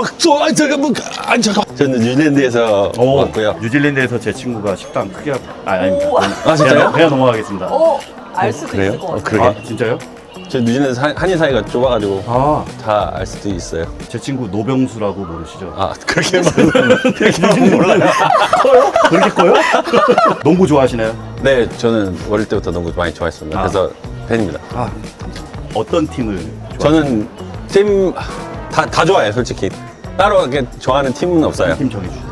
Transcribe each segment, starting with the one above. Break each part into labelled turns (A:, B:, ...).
A: 저는 뉴질랜드에서 왔고요.
B: 뉴질랜드에서 제 친구가 식당 크게 아닙니다.
A: 아, 진짜요?
B: 그냥 넘어가겠습니다.
C: 알 수도
A: 그래요?
C: 있을 것 같아요.
A: 그러게.
B: 아, 진짜요?
A: 저 뉴질랜드 한인 사이가 좁아가지고
B: 아,
A: 다 알 수도 있어요.
B: 제 친구 노병수라고 모르시죠?
A: 아, 그렇게 말하면 몰라요.
B: 커요? 그렇게 커요? 농구 좋아하시나요?
A: 네, 저는 어릴 때부터 농구 많이 좋아했습니다.
B: 아.
A: 그래서 팬입니다.
B: 아, 어떤 팀을
A: 저는 팀 다 좋아해요, 솔직히. 따로 이렇게 좋아하는 팀은 없어요.
B: 팀 정해주세요.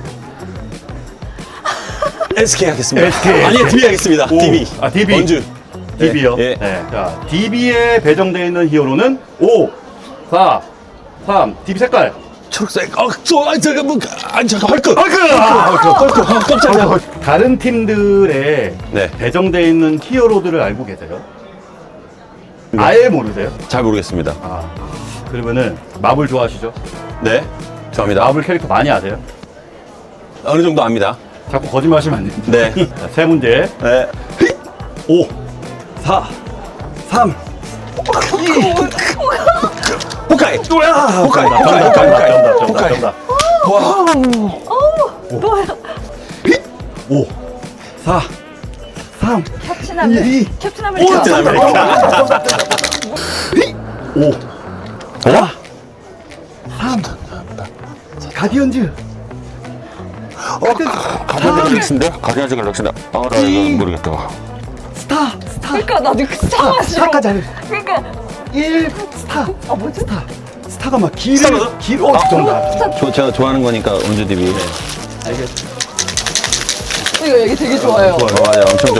A: SK 하겠습니다.
B: SK.
A: 아니요, DB 하겠습니다.
B: 오.
A: DB.
B: 아, DB.
A: 원주.
B: DB요?
A: 예.
B: 네. 자, DB에 배정되어 있는 히어로는 5, 4, 3, DB 색깔.
A: 초록색. 헐크.
B: 깜짝이야. 다른 팀들의
A: 네.
B: 배정되어 있는 히어로들을 알고 계세요? 아예 모르세요?
A: 잘 모르겠습니다.
B: 아, 그러면은 마블 좋아하시죠?
A: 네, 좋아합니다.
B: 마블 캐릭터 많이 아세요?
A: 어느 정도 압니다.
B: 자꾸 거짓말하시면 안 됩니다.
A: 네.
B: 자, 세 문제.
A: 네.
B: 5, 4, 3,
A: 호카이. 호카이.
B: 정답.
C: 또요.
B: 5, 4, 3,
C: 캡틴 아메리카. 캡틴 아메리카.
A: 캡틴 아메리카.
B: 5, 4, 3, 가디언즈.
A: 가디언즈 갤럭시인데? 가디언즈 갤럭시인데. 아, 나 이거 모르겠다.
B: 스타.
C: 그러니까 나도 그 스타가 싫어.
B: 스타까지 안 해.
C: 그러니까
B: 1, 스타.
C: 아 뭐지?
B: 스타가 막
A: 스타거든?
B: 정답.
A: 제가 좋아하는 거니까 원주 DB.
B: 알겠어.
C: 이거 얘기 되게 좋아요.
A: 맞아요. 엄청 좋아요.